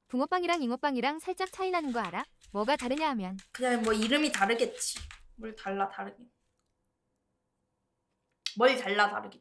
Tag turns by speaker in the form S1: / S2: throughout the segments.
S1: 붕어빵이랑 잉어빵이랑 살짝 차이 나는 거 알아? 뭐가 다르냐 하면
S2: 그냥 뭐 이름이 다르겠지. 뭘 달라 다르긴. 뭘 달라 다르긴.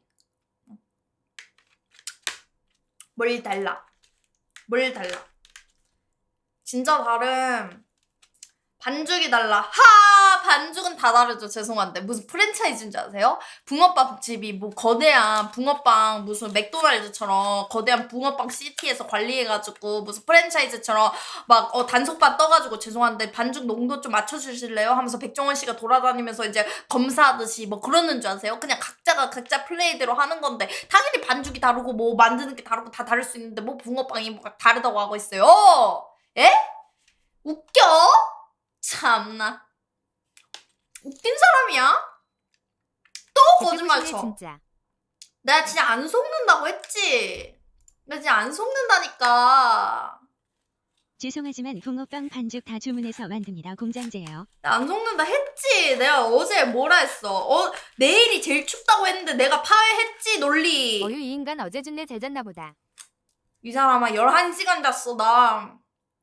S2: 뭘 달라. 뭘 달라. 진짜 다름. 반죽이 달라. 반죽은 다 다르죠. 죄송한데 무슨 프랜차이즈인 줄 아세요? 붕어빵 집이 뭐 거대한 붕어빵 무슨 맥도날드처럼 거대한 붕어빵 시티에서 관리해가지고 무슨 프랜차이즈처럼 막 단속반 떠가지고 죄송한데 반죽 농도 좀 맞춰주실래요? 하면서 백종원 씨가 돌아다니면서 이제 검사하듯이 뭐 그러는 줄 아세요? 그냥 각자가 각자 플레이대로 하는 건데 당연히 반죽이 다르고 뭐 만드는 게 다르고 다 다를 수 있는데 뭐 붕어빵이 뭐가 다르다고 하고 있어요? 예? 웃겨? 참나. 웃긴 사람이야? 또 거짓말
S1: 대표부심해
S2: 쳐.
S1: 진짜.
S2: 내가 진짜 안 속는다고 했지. 내가 진짜 안 속는다니까.
S3: 죄송하지만 붕어빵 반죽 다 주문해서 만듭니다. 공장제예요.
S2: 나 안 속는다 했지. 내가 어제 뭐라 했어. 내일이 제일 춥다고 했는데 내가 파회했지 논리.
S1: 어유 이 인간 어제 준내 잘 잤나 보다.
S2: 이 사람아 11시간 잤어 나.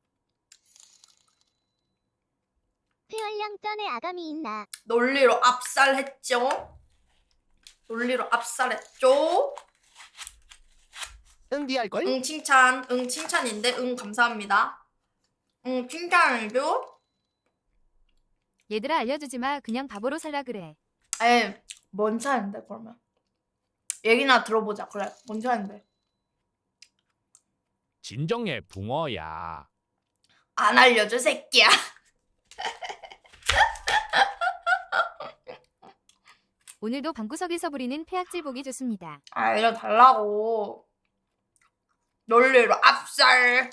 S4: 폐활량전에 아감이 있나?
S2: 논리로 압살했죠. 논리로 압살했죠.
S5: 응디할걸?
S2: 응 칭찬. 응 칭찬인데 응 감사합니다. 응 칭찬이죠.
S1: 얘들아 알려주지 마. 그냥 바보로 살라 그래.
S2: 에이 뭔 차인데 그러면. 얘기나 들어보자. 그래 뭔 차인데.
S5: 진정해 붕어야.
S2: 안 알려줘 새끼야.
S1: 오늘도 방구석에서 부리는 폐악질 보기 좋습니다.
S2: 알려달라고. 논리로 압살.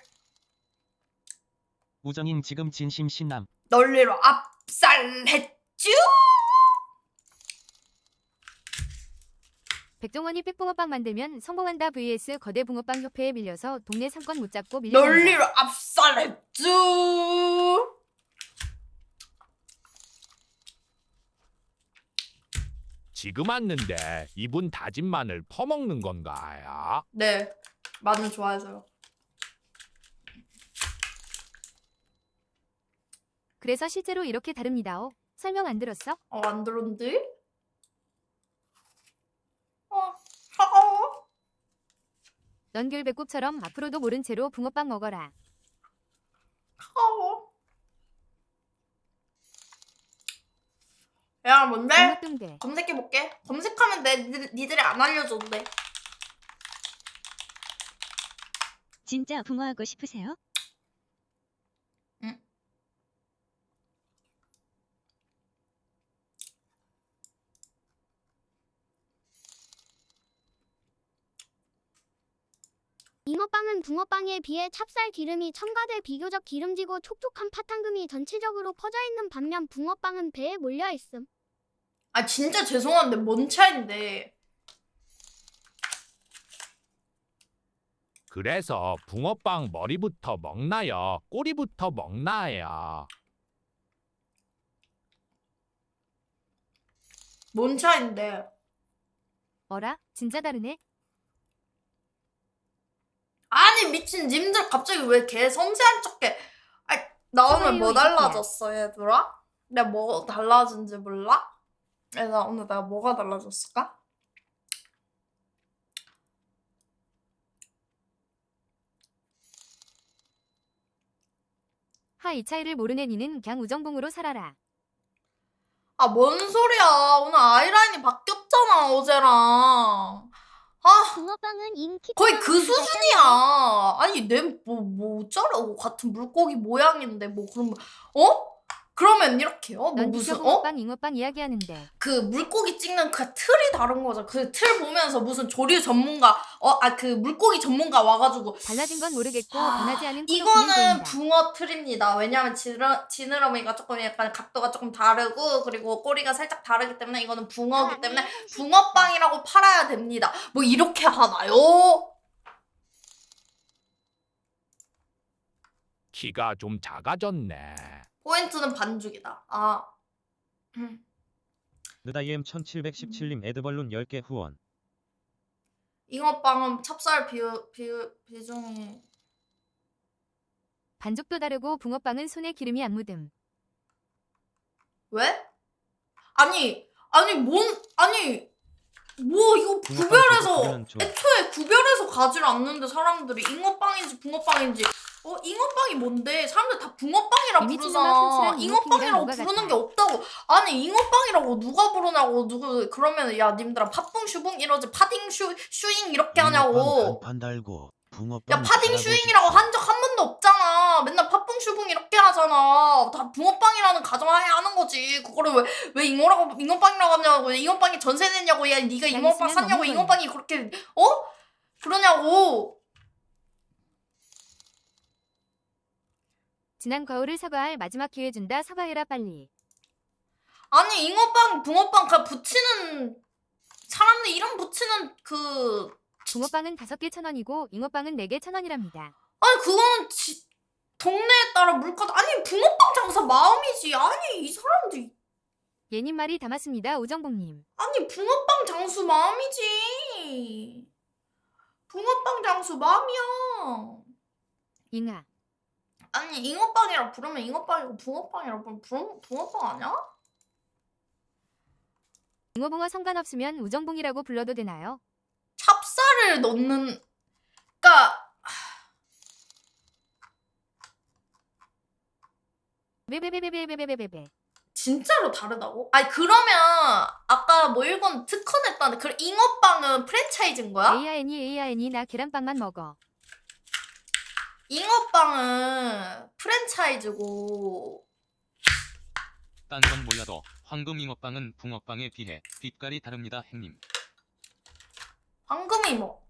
S6: 우정인 지금 진심 신남.
S2: 논리로 압살했쥬.
S1: 백종원이 빽붕어빵 만들면 성공한다 vs 거대 붕어빵 협회에 밀려서 동네 상권 못 잡고 밀려난다.
S2: 논리로 압살했쥬.
S5: 지금 왔는데 이분 다진 마늘 퍼먹는 건가요?
S2: 네 마늘 좋아해서요.
S1: 그래서 실제로 이렇게 다릅니다. 설명 안 들었어?
S2: 안 들었는데? 차가워.
S1: 넌 귤배꼽처럼 앞으로도 모른 채로 붕어빵 먹어라.
S2: 차가워. 야 뭔데?
S1: 붕어뚱대.
S2: 검색해볼게. 검색하면 돼. 니들이 안 알려줘도 돼.
S3: 진짜 붕어하고 싶으세요?
S2: 응.
S4: 잉어빵은 붕어빵에 비해 찹쌀 기름이 첨가돼 비교적 기름지고 촉촉한 파탄금이 전체적으로 퍼져있는 반면 붕어빵은 배에 몰려있음.
S2: 아 진짜 죄송한데 뭔 차인데.
S5: 그래서 붕어빵 머리부터 먹나요? 꼬리부터 먹나요?
S2: 뭔 차인데.
S1: 어라? 진짜 다르네?
S2: 아니 미친 님들 갑자기 왜 개 섬세한 척해. 아 나오면 뭐
S1: 사과해요,
S2: 달라졌어 얘들아? 내가 뭐 달라진지 몰라? 그래서 오늘 내가 뭐가 달라졌을까?
S1: 하 이 차이를 모르네 니는 그냥 우정봉으로 살아라.
S2: 아 뭔 소리야. 오늘 아이라인이 바뀌었잖아 어제랑. 아
S4: 붕어빵은 인기
S2: 거의 그 수준이야. 아니 내 뭐 어쩌라고. 같은 물고기 모양인데 뭐 그러면 그러면 이렇게 뭐
S1: 넌
S2: 무슨
S1: 비켜붕어빵 잉어빵 이야기하는데.
S2: 그 물고기 찍는 그 틀이 다른 거죠. 그 틀 보면서 무슨 조류 전문가 그 물고기 전문가 와가지고
S1: 달라진 건 모르겠고 변하지 않은 코너
S2: 이거는
S1: 진행자입니다.
S2: 붕어 틀입니다. 왜냐면 지느러미가 조금 약간 각도가 조금 다르고 그리고 꼬리가 살짝 다르기 때문에 이거는 붕어기 때문에 붕어빵이라고 팔아야 됩니다. 뭐 이렇게 하나요?
S5: 키가 좀 작아졌네.
S2: 포인트는 반죽이다. 아
S6: 느다이엠 1717님 에드벌룬 10개 후원.
S2: 잉어빵은 찹쌀 비중이
S1: 반죽도 다르고 붕어빵은 손에 기름이 안 묻음.
S2: 왜? 아니 뭐 이거
S6: 붕어빵
S2: 구별해서
S6: 구별은 좀-
S2: 애초에 구별해서 가지를 않는데 사람들이 잉어빵인지 붕어빵인지 잉어빵이 뭔데? 사람들 다 붕어빵이라
S1: 이미
S2: 부르잖아.
S1: 찌는맛 훔치는
S2: 잉어빵이라고
S1: 잉어빵이랑
S2: 부르는
S1: 뭐가
S2: 게 없다고. 아니 잉어빵이라고 누가 부르냐고. 누구 그러면 야 님들아 팥붕 슈붕 이러지 파딩 슈잉 이렇게 하냐고.
S7: 간판 달고 붕어빵
S2: 야 파딩 슈잉이라고 한 적 한 번도 없잖아. 맨날 팥붕 슈붕 이렇게 하잖아. 다 붕어빵이라는 가정하에 하는 거지. 그거를 왜 잉어빵이라고 하냐고. 잉어빵이 전세 냈냐고. 야 네가
S1: 양
S2: 잉어빵
S1: 있으면
S2: 샀냐고.
S1: 먹는
S2: 잉어빵이 그렇게 그러냐고.
S1: 지난 과오를 사과할 마지막 기회 준다. 사과해라 빨리.
S2: 아니 잉어빵 붕어빵 그 붙이는 사람들 이름 붙이는 그
S1: 붕어빵은 5개 1,000원이고 잉어빵은 4개 1,000원이랍니다.
S2: 아니 그거는 동네에 따라 물가 아니 붕어빵 장사 마음이지. 아니 이 사람들
S1: 예님 말이 담았습니다. 오정복님.
S2: 아니 붕어빵 장수 마음이지. 붕어빵 장수 마음이야.
S1: 잉아.
S2: 아니 잉어빵이라 부르면 잉어빵이고 붕어빵이라 부르면 붕어빵 아니야?
S1: 잉어붕어 상관없으면 우정봉이라고 불러도 되나요?
S2: 찹쌀을 넣는 그니까
S1: 베베베베베베베베베.
S2: 진짜로 다르다고? 아니 그러면 아까 뭐 일본 특허 냈다는데 그 잉어빵은 프랜차이즈인 거야?
S1: ARNE 나 계란빵만 먹어.
S2: 잉어빵은 프랜차이즈고
S8: 딴 건 몰라도 황금 잉어빵은 붕어빵에 비해 빛깔이 다릅니다, 행님.
S2: 황금이 뭐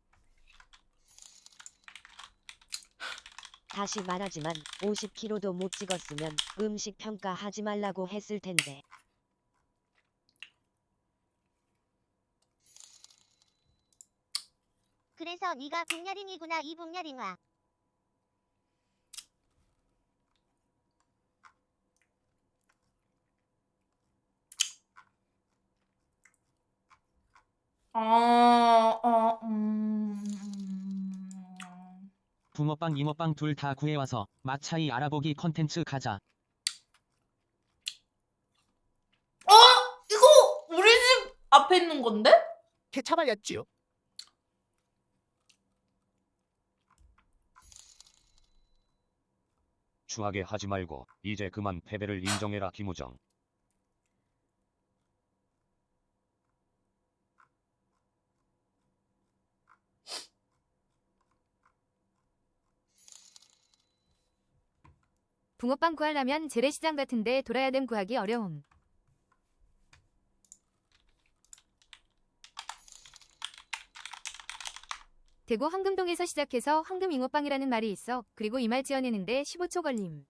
S9: 다시 말하지만 50kg도 못 찍었으면 음식 평가하지 말라고 했을 텐데.
S4: 그래서 네가 북녀링이구나 이 북녀링아.
S6: 붕어빵 잉어빵 둘 다 구해와서 맛 차이 알아보기 컨텐츠 가자.
S2: 이거 우리 집 앞에 있는 건데?
S5: 캐차발렸지요.
S7: 추하게 하지 말고 이제 그만 패배를 인정해라 김우정.
S1: 붕어빵 구하려면 재래시장 같은데 돌아야 됨 구하기 어려움. 대구 황금동에서 시작해서 황금 잉어빵이라는 말이 있어. 그리고 이 말 지어내는데 15초 걸림.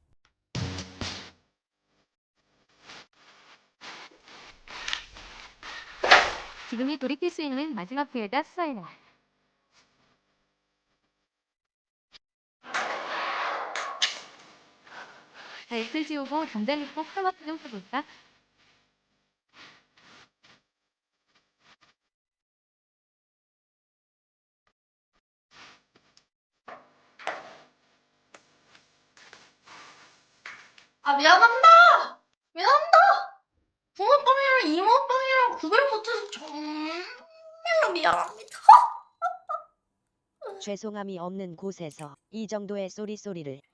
S1: 지금이 돌이킬 수 있는 마지막 기회다 수사해라. 발을 지우고 정장 입고 파마트 좀 해볼까?
S2: 미안합니다. 붕어빵이랑 잉어빵이랑 구별 못해서 정말 미안합니다.
S9: 죄송함이 없는 곳에서 이 정도의 쏘리쏘리를